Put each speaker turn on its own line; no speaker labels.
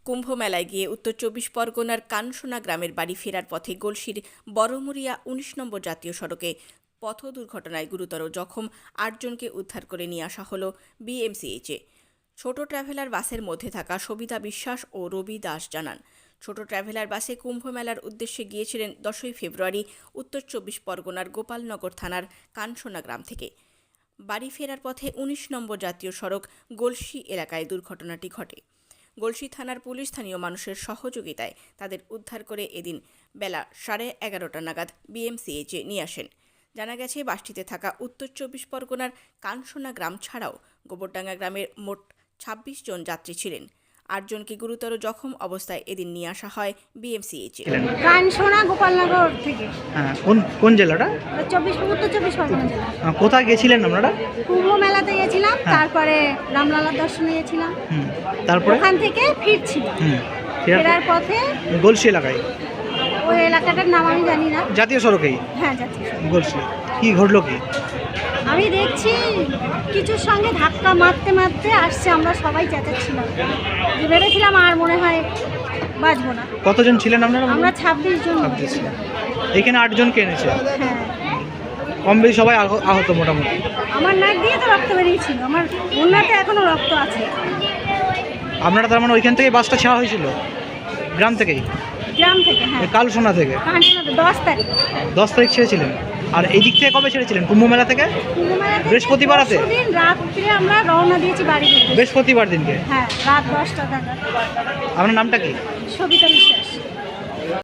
কুম্ভ মেলায় গিয়ে উত্তর ২৪ পরগনার কানসোনা গ্রামের বাড়ি ফেরার পথে গলসির বড়মুরিয়া ১৯ নম্বর জাতীয় সড়কে পথ দুর্ঘটনায় গুরুতর জখম ৮ জনকে উদ্ধার করে নিয়ে আসা হল বিএমসিএইচে। ছোট ট্রাভেলার বাসের মধ্যে থাকা সবিতা বিশ্বাস ও রবি দাস জানান, ছোট ট্রাভেলার বাসে কুম্ভ মেলার উদ্দেশ্যে গিয়েছিলেন ১০ই ফেব্রুয়ারি উত্তর ২৪ পরগনার গোপালনগর থানার কানসোনা গ্রাম থেকে। বাড়ি ফেরার পথে ১৯ নম্বর জাতীয় সড়ক গলসি এলাকায় দুর্ঘটনাটি ঘটে। গলসি থানার পুলিশ স্থানীয় মানুষের সহযোগিতায় তাদের উদ্ধার করে এদিন বেলা 11:30 নাগাদ বিএমসিএইচে নিয়ে আসেন। জানা গেছে, বাসটিতে থাকা উত্তর ২৪ পরগনার কানসোনা গ্রাম ছাড়াও গোবরডাঙ্গা গ্রামের মোট ২৬ জন যাত্রী ছিলেন। ৮ জনকে গুরুতর জখম অবস্থায় এদিন নিয়ে আসা হয় বিএমসিএইচে।
কানসোনা গোপালনগর থেকে।
হ্যাঁ, কোন জেলাটা?
উত্তর ২৪ পরগনা জেলা।
কোথায় গেছিলেন আপনারা?
কুম্ভ মেলাতে গেছিলাম, তারপরে রামলালার দর্শনে গেছিলাম,
তারপরে
ওখান থেকে ফিরছিলাম। ফেরার পথে
গলসি এলাকায়,
ওই এলাকাটার নাম আমি জানি না।
জাতীয় সড়কেই?
হ্যাঁ, জাতীয় সড়ক।
গলসি। কি ঘটলো কি?
আমি দেখছি কিছুর সঙ্গে ধাক্কা মারতে মারতে আসছে, আমরা সবাই চেঁচাচ্ছিলাম, ভেবেছিলাম আর মনে হয় বাঁচবো না।
কতজন ছিলেন আপনারা?
আমরা ২৬ জন ছিলাম।
এখানে 8 জনকে এনেছে?
হ্যাঁ।
কম বেশি সবাই আহত মোটামুটি?
আমার নাক দিয়ে তো রক্ত বেরিয়েছিল, আমার ওনাতে এখনো রক্ত আছে।
আপনারা তার মানে ওইখান থেকে বাসটা ছাড়া হয়েছিল? গ্রাম থেকেই?
গ্রাম থেকে, হ্যাঁ।
কালসোনা থেকে?
কানসোনাতে 10 তারিখ।
10 তারিখ ছেড়েছিলেন। আর এই দিক থেকে কবে ছেড়েছিলেন? কুম্ভ মেলা থেকে? বৃহস্পতিবার রাতে?
দিন রাত্রে আমরা রওনা দিয়েছি বাড়ি থেকে।
বৃহস্পতিবার দিনকে?
হ্যাঁ, রাত 10টা নাগাদ।
আপনার নামটা কি?
সবিতা বিশ্বাস।